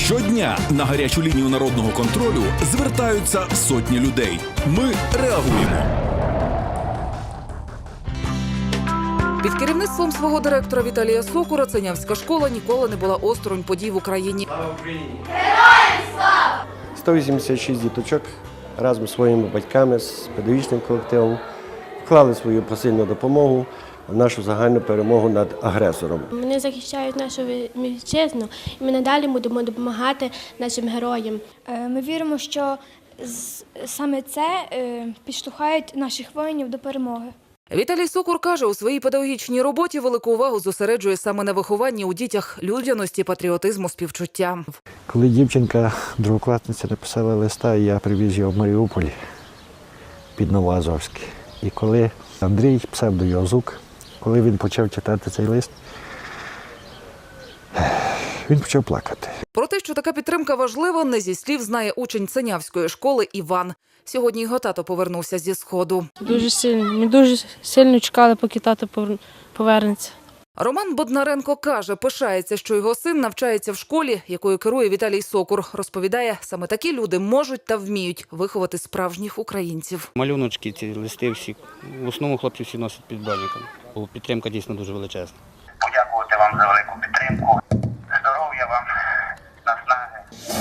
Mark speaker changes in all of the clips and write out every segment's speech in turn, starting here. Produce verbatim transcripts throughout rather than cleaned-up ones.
Speaker 1: Щодня на гарячу лінію народного контролю звертаються сотні людей. Ми реагуємо.
Speaker 2: Під керівництвом свого директора Віталія Сокура Ценявська школа ніколи не була осторонь подій в Україні.
Speaker 3: Героям слава!
Speaker 4: сто вісімдесят шість діточок разом з своїми батьками, з педагогічним колективом вклали свою посильну допомогу в нашу загальну перемогу над агресором.
Speaker 5: Вони захищають нашу вітчизну, і ми надалі будемо допомагати нашим героям.
Speaker 6: Ми віримо, що саме це підштовхає наших воїнів до перемоги.
Speaker 2: Віталій Сокур каже, у своїй педагогічній роботі велику увагу зосереджує саме на вихованні у дітях людяності, патріотизму, співчуття.
Speaker 7: Коли дівчинка, другокласниця, написала листа, я привіз його в Маріуполь під Новоазовське. І коли Андрій, псевдо Йозук, коли він почав читати цей лист, він почав плакати.
Speaker 2: Про те, що така підтримка важлива, не зі слів знає учень Ценявської школи Іван. Сьогодні його тато повернувся зі Сходу.
Speaker 5: Дуже сильно. Ми дуже сильно чекали, поки тато повернеться.
Speaker 2: Роман Боднаренко каже, пишається, що його син навчається в школі, якою керує Віталій Сокур. Розповідає, саме такі люди можуть та вміють виховати справжніх українців.
Speaker 8: Малюночки, ці листи всі, в основному хлопці всі носять під броніком. Бо підтримка дійсно дуже величезна.
Speaker 9: Подякувати вам за велику підтримку. Здоров'я вам, наснаги.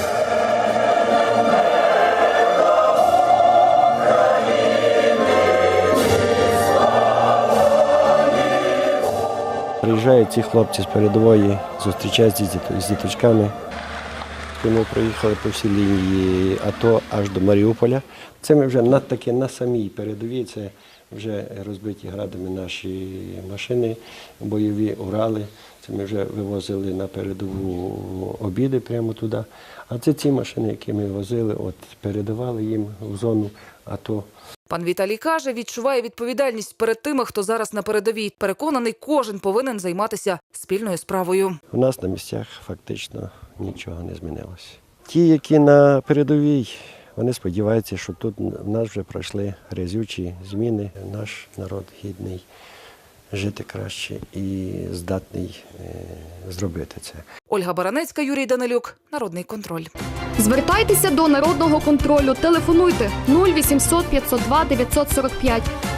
Speaker 4: Приїжджають ці хлопці з передової, зустрічаються з діточками. Ми проїхали по всій лінії АТО аж до Маріуполя. Це ми вже на таки на самій передовій, це вже розбиті градами наші машини, бойові Урали. Це ми вже вивозили на передову обіди прямо туди. А це ці машини, які ми возили, от передавали їм в зону АТО.
Speaker 2: Пан Віталій каже, відчуває відповідальність перед тими, хто зараз на передовій. Переконаний, кожен повинен займатися спільною справою.
Speaker 4: У нас на місцях фактично нічого не змінилося. Ті, які на передовій, вони сподіваються, що тут в нас вже пройшли грязючі зміни. Наш народ гідний жити краще і здатний е, зробити це.
Speaker 2: Ольга Баранецька, Юрій Данилюк, Народний контроль.
Speaker 10: Звертайтеся до Народного контролю. Телефонуйте нуль вісімсот п'ятсот два дев'ятсот сорок п'ять.